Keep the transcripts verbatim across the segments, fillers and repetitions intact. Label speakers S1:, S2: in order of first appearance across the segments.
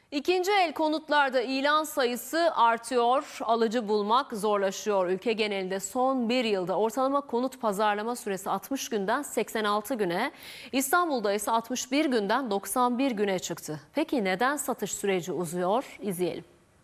S1: İkinci el konutlarda ilan sayısı artıyor, alıcı bulmak zorlaşıyor. Ülke genelinde son bir yılda ortalama konut pazarlama süresi altmış günden seksen altı güne, İstanbul'da ise altmış bir günden doksan bir güne çıktı. Peki neden satış süreci uzuyor? İzleyelim.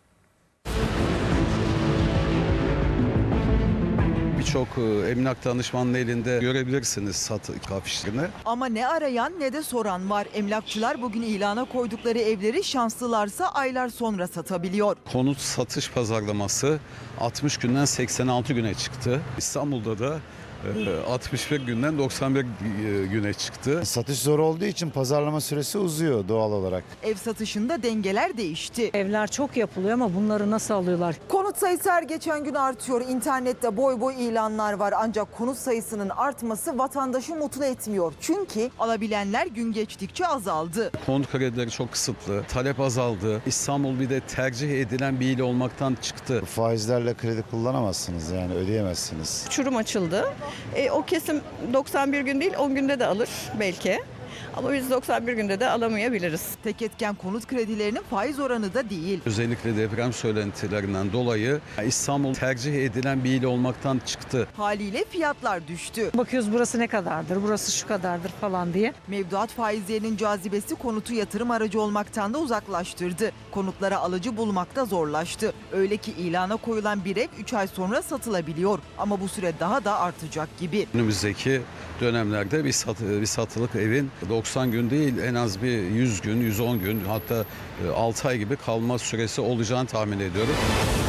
S2: Birçok emlak danışmanının elinde görebilirsiniz satış afişlerini.
S3: Ama ne arayan ne de soran var. Emlakçılar bugün ilana koydukları evleri şanslılarsa aylar sonra satabiliyor.
S2: Konut satış pazarlaması altmış günden seksen altı güne çıktı. İstanbul'da da altmış bir günden doksan bir güne çıktı.
S4: Satış zor olduğu için pazarlama süresi uzuyor doğal olarak.
S3: Ev satışında dengeler değişti.
S5: Evler çok yapılıyor ama bunları nasıl alıyorlar?
S3: Konut sayısı her geçen gün artıyor. İnternette boy boy ilanlar var. Ancak konut sayısının artması vatandaşı mutlu etmiyor. Çünkü alabilenler gün geçtikçe azaldı.
S2: Konut kredileri çok kısıtlı, talep azaldı. İstanbul bir de tercih edilen bir il olmaktan çıktı.
S4: Faizlerle kredi kullanamazsınız, yani ödeyemezsiniz.
S6: Uçurum açıldı. E, o kesim doksan bir gün değil on günde de alır belki. Ama biz doksan bir günde de alamayabiliriz.
S3: Tek etken konut kredilerinin faiz oranı da değil.
S2: Özellikle deprem söylentilerinden dolayı İstanbul tercih edilen bir il olmaktan çıktı.
S3: Haliyle fiyatlar düştü.
S5: Bakıyoruz burası ne kadardır, burası şu kadardır falan diye.
S3: Mevduat faizlerinin cazibesi konutu yatırım aracı olmaktan da uzaklaştırdı. Konutlara alıcı bulmakta zorlaştı. Öyle ki ilana koyulan bir ev üç ay sonra satılabiliyor. Ama bu süre daha da artacak gibi.
S2: Önümüzdeki dönemlerde bir, sat, bir satılık evin doksan gün değil en az bir yüz gün, yüz on gün hatta altı ay gibi kalma süresi olacağını tahmin ediyorum.